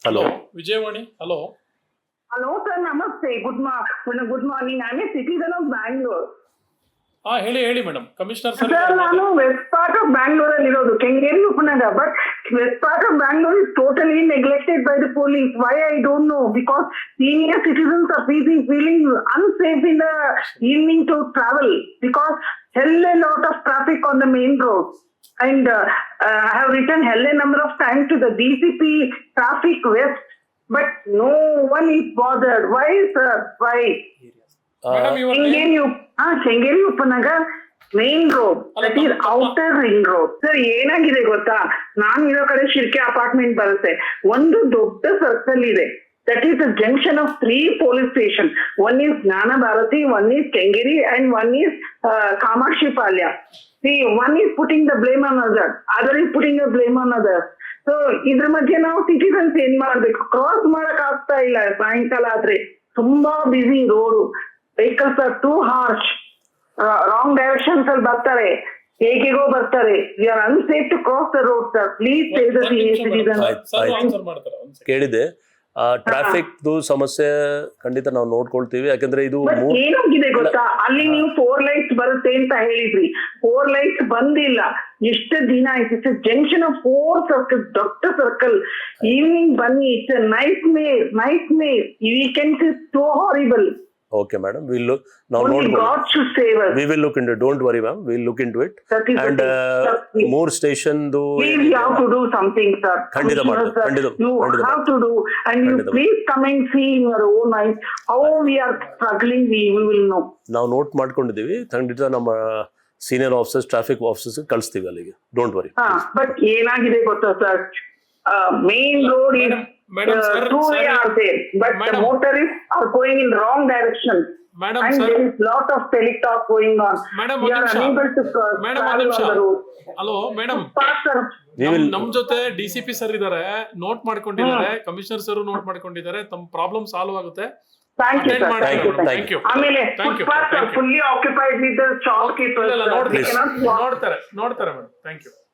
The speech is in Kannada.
Hello Vijayavani. Hello sir, namaste. Good morning. I'm a citizen of Bangalore. ಹೇಳಿ ಮೇಡಮ್. ಕಮಿಷನರ್ ಸರ್, ನಾನು ವೆಸ್ಟ್ ಪಾರ್ಟ್ ಆಫ್ ಬ್ಯಾಂಗ್ಳೂರ್ ಅಲ್ಲಿ ಇರೋದು, Kengeri Upanagara. But west part of Bangalore is totally neglected by the police. Why I don't know, because senior citizens are feeling unsafe in the evening to travel because hell a lot of traffic on the main road. And I have written hell a number of times to the DCP Traffic West, but no one is bothered. Why, sir? Why? Madam ಇವಾಗ Kengeri Upanagar main road, that is outer ring road. Sir ಏನಾಗಿದೆ ಗೊತ್ತಾ, ನಾನು ಇರೋ ಕಡೆ ಶಿರ್ಕೆ ಅಪಾರ್ಟ್ಮೆಂಟ್ ಬರುತ್ತೆ. ಒಂದು ದೊಡ್ಡ ಸರ್ಕಲ್ ಇದೆ, that is the junction of 3 police station. One is Jnana Bharathi, one is Kengeri and one is Kamakshi Palya. See, one is putting the blame on other, other is putting the blame on other. So ಇದ್ರ ಮಧ್ಯೆ ನಾವು ಸಿಟಿಸನ್ಸ್ ಏನ್ ಮಾಡ್ಬೇಕು? ಕ್ರಾಸ್ ಮಾಡಕ್ ಆಗ್ತಾ ಇಲ್ಲ. ಸಾಯಂಕಾಲ ಆದ್ರೆ ತುಂಬಾ ಬಿಸಿ road, vehicles are too harsh, wrong directions ಅಲ್ಲಿ ಬರ್ತಾರೆ, ಹೇಗೆಗೋ ಬರ್ತಾರೆ. We are unsafe to cross the road. Sir please save the senior citizen. Answer ಮಾಡ್ತಾರೆ. ಕೇಳಿದೆ. ಟ್ರಾಫಿಕ್ ಸಮಸ್ಯೆ ಖಂಡಿತ ನಾವು ನೋಡ್ಕೊಳ್ತೀವಿ. ಯಾಕಂದ್ರೆ ಇದು ಏನಾಗಿದೆ ಗೊತ್ತಾ, ಅಲ್ಲಿ ನೀವು 4 lights ಬರುತ್ತೆ ಅಂತ ಹೇಳಿದ್ರಿ, 4 lights ಬಂದಿಲ್ಲ. ಎಷ್ಟು ದಿನ ಆಯ್ತು? ಇಟ್ಸ್ ಜಂಕ್ಷನ್ ಆಫ್ 4 ಸರ್ಕಲ್, ದೊಡ್ಡ ಸರ್ಕಲ್. ಈವ್ನಿಂಗ್ ಬನ್ನಿ, it's nightmare weekends is so horrible. Okay madam, we will look into it. Don't worry ma'am, we'll look into it. And more station do we have to do something, sir. ಖಂಡಿತ ಮಾಡ್ತೀವಿ. You have to do, and you please come and see in your own eyes how we are struggling. We will know. ನಾವು ನೋಟ್ ಮಾಡ್ಕೊಂಡಿದ್ದೀವಿ. ಖಂಡಿತ ನಮ್ಮ ಸೀನಿಯರ್ ಆಫೀಸರ್ಸ್, ಟ್ರಾಫಿಕ್ ಆಫೀಸರ್ಸ್ ಕಳಿಸ್ತೀವಿ ಅಲ್ಲಿಗೆ. Don't worry. ಬಟ್ ಏನಾಗಿದೆ ಗೊತ್ತಾ sir, main road is two-way are there, but the motorists are going in wrong direction. Madam, and sir, there is lot of teletalk going on. Madam, we are unable to travel on the road. Hello madam, ನಮ್ ಜೊತೆ DCP ಸರ್ ಇದಾರೆ, ನೋಟ್ ಮಾಡ್ಕೊಂಡಿದ್ದಾರೆ. ಕಮಿಷನರ್ ಸರ್ ನೋಟ್ ಮಾಡ್ಕೊಂಡಿದ್ದಾರೆ. ತಮ್ಮ ಪ್ರಾಬ್ಲಮ್ ಸಾಲ್ವ್ ಆಗುತ್ತೆ. Thank you, sir. Thank you. ಆಮೇಲೆ footpaths are fully occupied with the shopkeepers. ನೋಡ್ತಾರೆ ಮೇಡಮ್. Thank you.